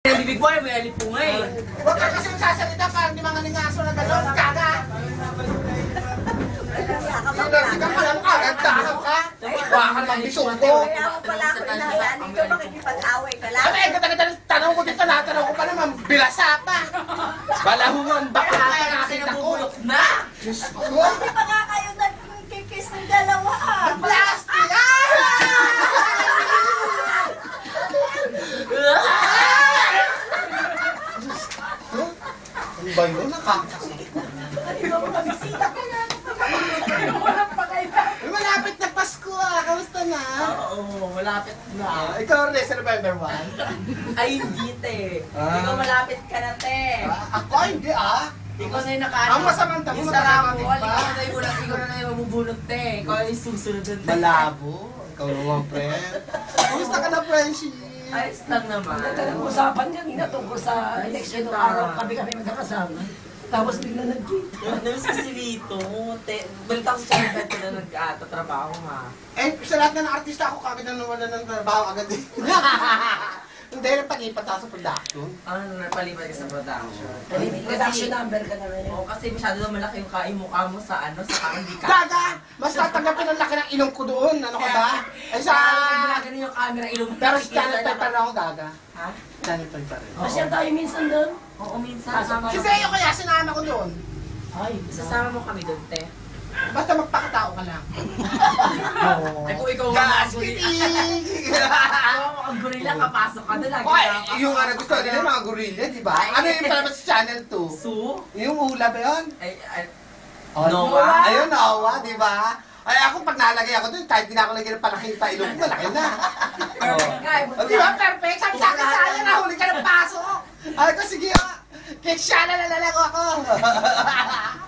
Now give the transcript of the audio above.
Ang bibig mo ay may alipungay. Huwag ka kasi sasalita parang di mga ningaso na gano'n. Kaga! Hindi ka palang agad dahil ka. Baka magbisong ko. Kaya ako pala ako inahayaan dito, makikipag-away ka lang. Ay, tanong ko dito, natanong ko pa naman, bilasa pa. Bala mo man, baka nakakita ko. Na! Diyos ko. Hindi pa nga kayo nagkikiss ng dalawa ah. Plastic! Ano ba yun? Nakakasakit na. Bisita ka na. Malapit na Pasko ah. Kamusta na? Oo, malapit na. Ikaw rin sa November 1? Ay, hindi, te. Ah. Ikaw malapit ka na, te. Ako hindi ah. Ikaw na yung nakaano. Ang masamang damo, yung sarap mo, nakakamatik pa. ikaw na yung mabubunot, te. Ikaw na yung susunod dun, te. Malabo. Ikaw naman, friend. Kamusta ka na, friendship? Ayos lang naman. Usapan kanina tungkol sa election ng araw kami magkakasama. Tapos bigla nag-tweet. Namiss ko si Lito. Balita ko sa channel ko na nag-tatrabaho nga. Eh, sa lahat na ng artista ako, kami na nawala ng trabaho agad din. Hindi, napag-ipat ako sa production. Ano na napalipat ka sa production? Production number ka na ngayon. Oo, kasi masyado na malaki yung mukha mo sa hindi ka. Gaga! Mas tatanggapin ang laki ng ilong ko doon. Ano ka ba? Ay sa... ganun yung camera, ilong. Pero sa channel pa rin ako, Gaga. Ha? Channel pa rin. Masyal tayo minsan doon. Oo, minsan. Si Seo kaya sinama ko doon. Ay, Sasama mo kami doon, te. Basta magpakatao ka lang. Ay, kung ikaw Gas gorilla. kiting! Ang gorilla, kapasok ka doon. lagi Okay, nakapasok. yung ano gusto nila yung mga gorilla, di ba? Ano yung palabas sa channel 2? Su? Yung hula ba yun? Ay, Oh, Noah? Ayun, Noah, di ba? Ay, ako pag nalagay ako doon, kahit di na ako lagyan ng palaki pa ilong ko, malaki na. Oh. Di ba, perfect? Sabi sa akin, sayang, nahuli ka ng pasok. Ay ko, sige, kaya siya na lang ako.